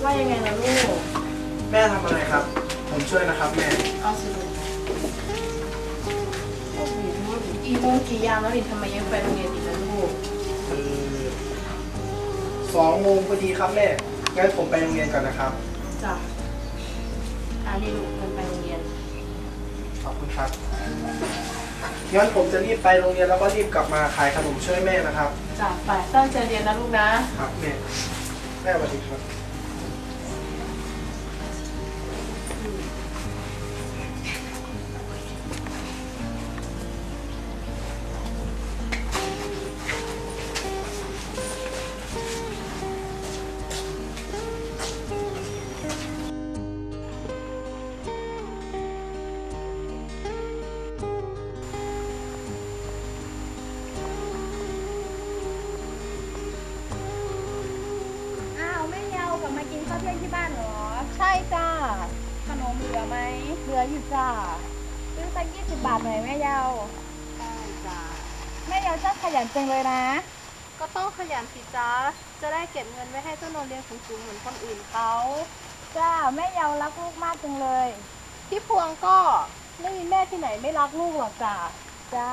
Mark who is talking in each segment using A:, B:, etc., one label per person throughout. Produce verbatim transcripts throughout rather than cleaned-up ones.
A: ว่ายังไงล่ะลูก
B: แม่ทำอะไรครับผมช่วยนะครับแม่
A: เอาสิลูกโอ้โหกี่โมงกี่ยามแล้วนี่ทำไมยังไปโรงเรียนอีกนะลูก
B: คือสองโมงพอดีครับแม่งั้นผมไปโรงเรียนก่อนนะครับ
A: จ้ะอันนี้ลูกเดินไปโรงเรียน
B: ขอบคุณครับงั้นผมจะรีบไปโรงเรียนแล้วก็รีบกลับมาขายขนมช่วยแม่นะครับ
A: จ้ะไปตั้งใจเรียนนะลูกนะครับ
B: แม่แม่สวัสดีครับ
C: ข้าวเที่ยงที่บ้านเหรอใช่จ้าขนมเหลือไหมเหลืออยู่จ้าซื้อสักยี่สิบบาทหน่อยแม่เยาได้จ้าแม่เยาชอบขยันจังเลยนะก็ต้องขยันสิจ้าจะได้เก็บเงินไว้ให้เจ้านนท์เรียนสูงๆเหมือนคนอื่นเขาจ้าแม่เยารักลูกมากจังเลยพี่พวงก็ไม่มีแม่ที่ไหนไม่รักลูกหรอกจ้าจ้า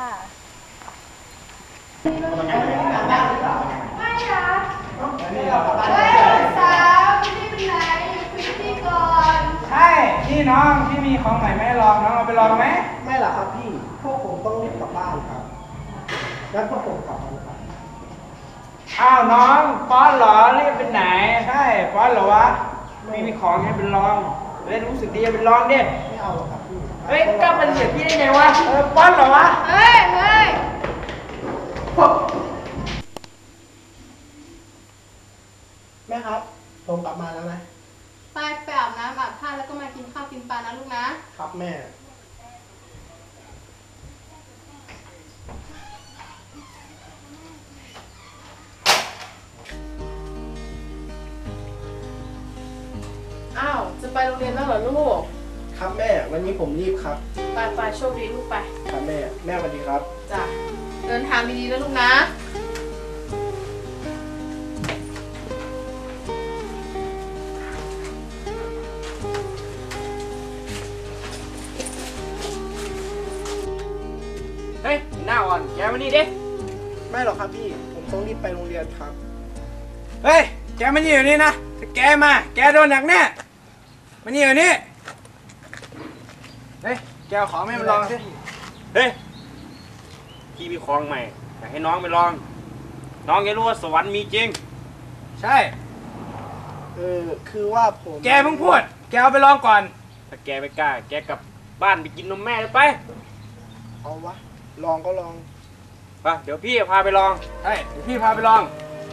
C: ไม่ค่ะเฮ้ยสาวพี่เป็นไหนอยู่คุยพี่ก่อน
D: ใช่พี่น้องพี่มีของใหม่ไม่ลองน้องเอาไปลองไหม
B: ไม่หรอกครับพี่พวกผมต้องรีบกลับบ้านครับงั้นพวกผมกลับมาครับ
D: อ้าวน้องป้อนเหรอรีบไปไหนใช่ป้อนเหรอวะไม่มีของให้เป็นลองเล่นรู้สึกดีจะเป็นลองดิ
B: ไม่เอาหรอกครับพี่
D: เฮ้ยกล้ามันเหยียบพี่ได้ไงวะเออป้อนเหรอวะ
C: เฮ้ยเฮ้ย
B: แม่ครับผมกลับมาแล้วนะ
C: ไปไปอาบน้ำอาบท่าแล้วก็มากินข้าวกินปลานะลูกนะครับ
B: แม่
A: อ้าวจะไปโรงเรียนแล้วเหรอลูก
B: ครับแม่วันนี้ผมรีบครับ
A: ไปไปโชคดีลูกไป
B: ครับแม่แม่สวัสดีครับ
A: จ้ะเดินทางดีๆนะลูกนะ
D: เฮ้ยหน้าอ่อนแกมานี่ดิ
B: ไม่หรอกครับพี่ผมต้องรีบไปโรงเรียนครับ
D: เฮ้ยแกมานี่อยู่นี่นะถ้าแกมาแกโดนหนักแน่มานี่อยู่นี่เฮ้ยแกเอาของแม่มาลองสิ
E: เฮ้ยพี่มีของใหม่อยากให้น้องไปลองน้องแกรู้ว่าสวรรค์มีจริง
D: ใช่
B: เออคือว่าผม
D: แกเพิ่งพูดแกเอาไปลองก่อน
E: ถ้าแกไม่กล้าแกกลับบ้านไปกินนมแม่เลยไป
B: เอาวะลองก็ลอง
E: ไปเดี๋ยวพี่พาไปลอง
D: ใช่เดี๋ยวพี่พาไปลอง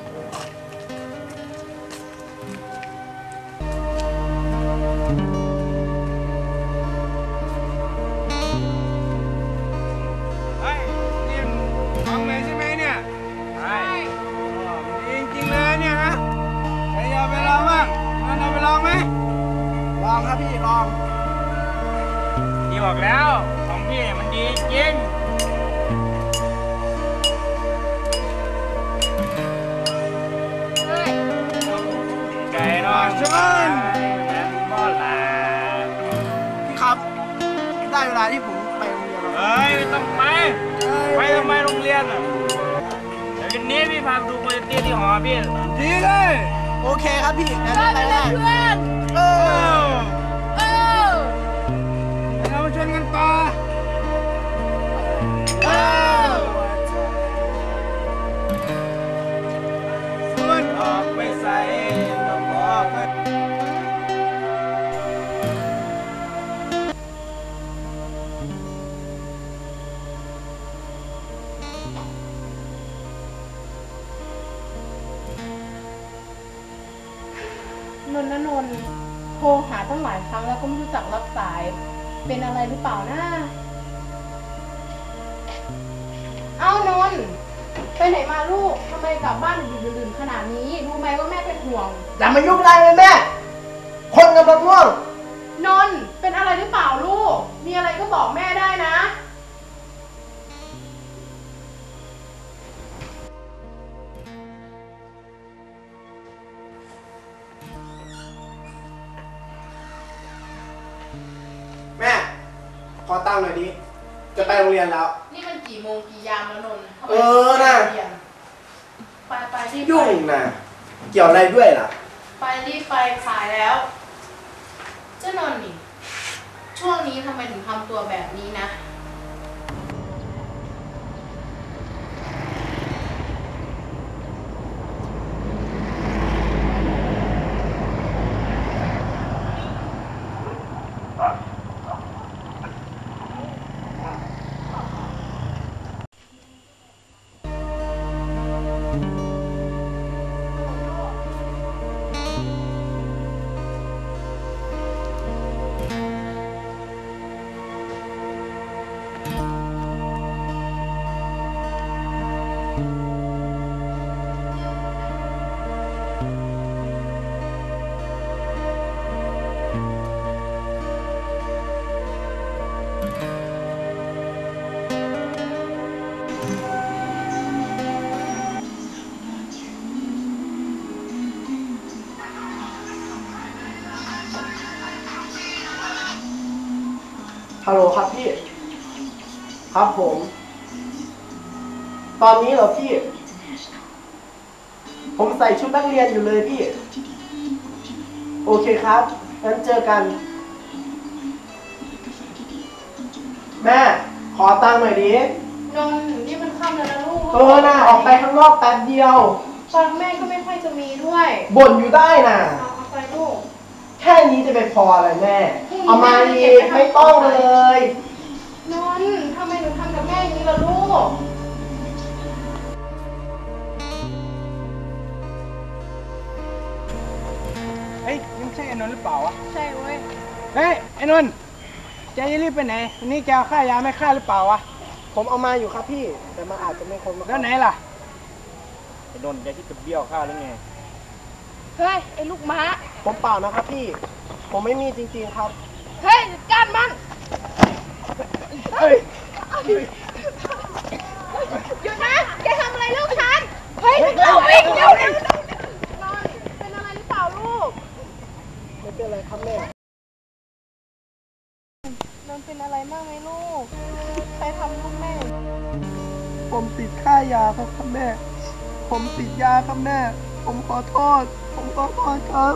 D: เฮ้ยนี่ของเลยใช่ไหมเนี่ยใช่จริงจริงเลยเนี่ยนะใครเอาไปลองบ้างงั้นเอาไปลองไหม
B: ลองครับพี่ลอง
E: พี่บอกแล้วของพี่มันดีจริงไก่นอนชนแม่บ่ลา
B: พี่ครับได้เวลาที่ผมไปโรงเรียนแล้ว
E: เฮ้ยไม่ต้องไปไปทำไมโรงเรียนอ่ะเดี๋ยววันนี้พี่พาดูโปรเจกต์ที่หอพี่
D: ดีเลย
B: โอเคครับพี่งั้นไปได้
C: เพื่อน
B: เออ
C: เออ
D: เรามาชนกันต่อ
C: เออ
D: ส่วนออกไปใส่ดอกออกไป
A: นนท์นะนนท์โทรหาตั้งหลายครั้งแล้วก็ไม่รู้จักรับสายเป็นอะไรหรือเปล่านะเอ้านนท์ไปไหนมาลูกทำไมกลับบ้านดึกดื่นขนาดนี้รู้ไหมว่าแม่เป็นห่วง
B: อย่ามายุ่งอะไรเลยแม่คนกำลังง่วง
A: นนท์เป็นอะไรหรือเปล่าลูกมีอะไรก็บอกแม่ได้นะ
B: งค์หน่อยดิ จะไปโรงเรียนแล้ว
A: นี่มันกี่โมงกี่ยามแล้วนนท์ทำไม
B: เออน่ะ
A: ไปไปรีบไป
B: ยุ่งนะเกี่ยวอะไรด้วยล่ะ
A: ไปรีบไปขายแล้ว เจ้านนท์นี่ ช่วงนี้ทำไมถึงทำตัวแบบนี้นะ
B: ฮัลโหลครับพี่ ครับผม ตอนนี้เหรอพี่ ผมใส่ชุดนักเรียนอยู่เลยพี่ โอเคครับ งั้นเจอกัน แม่ ขอตังค์หน่อยดิ
A: นนท์นี่มันค่ำแล้วนะลูก
B: เออน่ะออกไปข้างนอกแป๊บเดียว
A: ตังค์แม่ก็ไม่ค่อยจะมีด้วย
B: บ่นอยู่ได้น่ะ
A: เอาเอาไปลูก
B: แค่นี้จะไปพออะไรแม่ เอามาดีไม่ต้องเลย
A: นนท์ทำไมหนูทำกับแม่อย่างนี้ล่ะลูก
D: เฮ้ยนี่ไม่ใช่ไอ้นนท์หรือเปล่าวะ
A: ใช่เว้ย
D: เฮ้ยไอ้นนท์แกจะรีบไปไหนวันนี้แกเอาค่ายาไม่ค่าหรือเปล่าวะ
B: ผมเอามาอยู่ครับพี่ แต่มันอาจจะไม่ครบ
D: แล้วไหนล่ะ
E: ไอ้นนท์แกที่จะเบี้ยวข้าหรือไง
A: เฮ้ย ไอ้ลูกม้า
B: ผมเปล่านะครับพี่ ผมไม่มีจริงๆครับ
A: เฮ้ยจัดการมัน
D: เฮ้ย
A: หยุดนะ แกทำอะไรลูกฉัน เฮ้ยเราวิ่งเร็วเร็ว นอนเป็นอะไรหรือเปล่าลูก
B: ไม่เป็นไรครับแม่
A: นอนเป็นอะไรมากไหมลูก ใครทำลูกแม่
B: ผมติดค่ายาครับครับแม่ ผมติดยาครับแม่ ผมขอโทษ ผมขอโทษครับ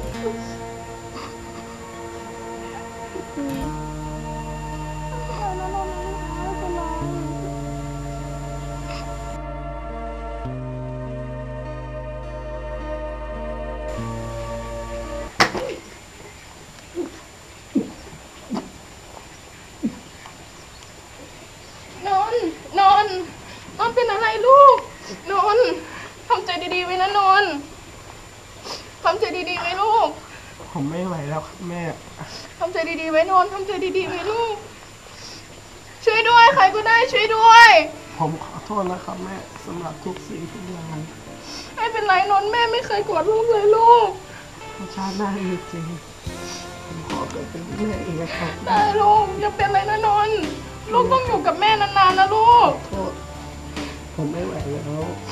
A: นอนนอนนอนเป็นอะไรลูก นอนทำใจดีๆไว้นะนอนทำใจดีๆไว้ลูก
B: ผมไม่ไหวแล้วครับแม่
A: ทำใจดีๆไว้นอนทำใจดีๆไว้ลูก ช่วยด้วยใครก็ได้ช่วยด้วย
B: ผมขอโทษนะครับแม่สำหรับทุกสิ่งทุกอย่าง
A: ไม่เป็นไรนอนแม่ไม่เคยกอดลูกเลยลูก
B: ถ้าชาติหน้ามีจริง ผมขอเกิดเป็นแม่อีกนะครับ
A: ได้ลูกอย่าเป็นไรนะนอนลูกต้องอยู่กับแม่นานๆนะลูก
B: โทษ ผมไม่ไหวแล้ว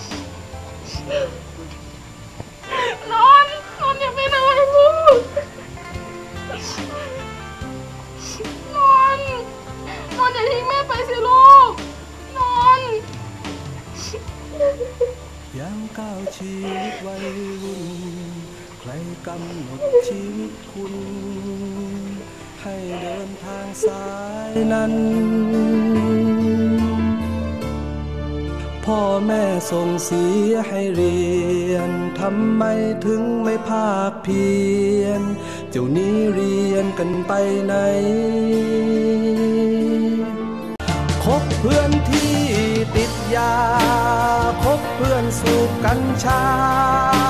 A: นอนนอนอย่าเป็นอะไรลูกนอนนอนอย่าทิ้งแม่ไปสิลูกนอน
F: ยามก้าวชีวิตวัยรุ่นใครกำหนดชีวิตคุณ ให้เดินทางสายนั้น พ่อแม่ส่งเสียให้เรียนทำไมถึงไม่ภาคเพียรเจ้านี้เรียนกันไปไหนคบเพื่อนที่ติดยาคบเพื่อนสูบกัญชา